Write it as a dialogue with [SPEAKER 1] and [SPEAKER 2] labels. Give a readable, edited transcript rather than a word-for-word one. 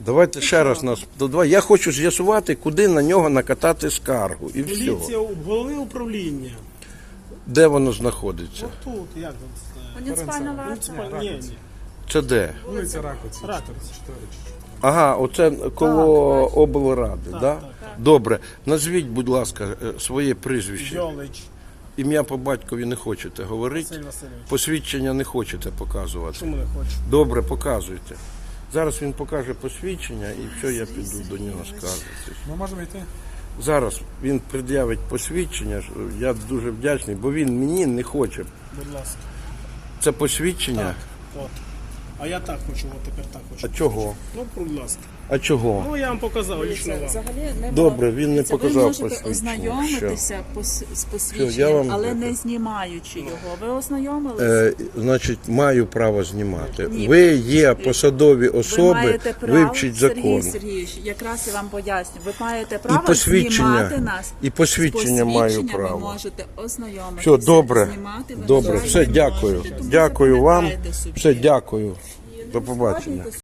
[SPEAKER 1] Давайте ще раз нас. Давай. Я хочу з'ясувати, куди на нього накатати скаргу. І все.
[SPEAKER 2] Поліція, головне управління.
[SPEAKER 1] Де воно знаходиться?
[SPEAKER 2] Тут, як тут?
[SPEAKER 3] Муніципальна варта.
[SPEAKER 2] Ні.
[SPEAKER 1] Це де?
[SPEAKER 4] Вулиця Ракоці, 4.
[SPEAKER 1] Ага, оце коло облради, так? Да? Добре. Назвіть, будь ласка, своє прізвище.
[SPEAKER 2] Йолич.
[SPEAKER 1] Ім'я по батькові не хочете говорити?
[SPEAKER 2] Василь Васильович.
[SPEAKER 1] Посвідчення не хочете показувати?
[SPEAKER 2] Чому не хочу?
[SPEAKER 1] Добре, показуйте. Зараз він покаже посвідчення і все, я піду до нього скаржитись.
[SPEAKER 4] Ми можемо йти?
[SPEAKER 1] Зараз він пред'явить посвідчення, я дуже вдячний, бо він мені не хоче.
[SPEAKER 2] Будь ласка.
[SPEAKER 1] Це посвідчення?
[SPEAKER 2] От. А я так хочу, от тепер так хочу.
[SPEAKER 1] А чого?
[SPEAKER 2] Ну, будь ласка.
[SPEAKER 1] А чого?
[SPEAKER 2] Ну, я вам показав лично вам.
[SPEAKER 3] Взагалі не
[SPEAKER 1] Добре, він не показав
[SPEAKER 3] Ви можете
[SPEAKER 1] посвідчення.
[SPEAKER 3] ознайомитися з
[SPEAKER 1] Все, я
[SPEAKER 3] посвідченням,
[SPEAKER 1] вам
[SPEAKER 3] але
[SPEAKER 1] дякую.
[SPEAKER 3] не знімаючи його. Ви ознайомилися?
[SPEAKER 1] Значить, маю право знімати.
[SPEAKER 3] Ні.
[SPEAKER 1] Ви є посадові
[SPEAKER 3] Ви
[SPEAKER 1] особи,
[SPEAKER 3] маєте право,
[SPEAKER 1] вивчіть закон.
[SPEAKER 3] Сергій Сергійович, якраз я вам поясню. Ви маєте право
[SPEAKER 1] посвідчення,
[SPEAKER 3] знімати нас.
[SPEAKER 1] і посвідчення
[SPEAKER 3] З
[SPEAKER 1] маю
[SPEAKER 3] посвідченням
[SPEAKER 1] право.
[SPEAKER 3] Ви можете ознайомитися.
[SPEAKER 1] Все, добре.
[SPEAKER 3] Знімати ви
[SPEAKER 1] Добре,
[SPEAKER 3] взагалі
[SPEAKER 1] все,
[SPEAKER 3] не
[SPEAKER 1] дякую.
[SPEAKER 3] можете, тому
[SPEAKER 1] Дякую вам.
[SPEAKER 3] запам'ятайте собі.
[SPEAKER 1] Все, дякую. До побачення.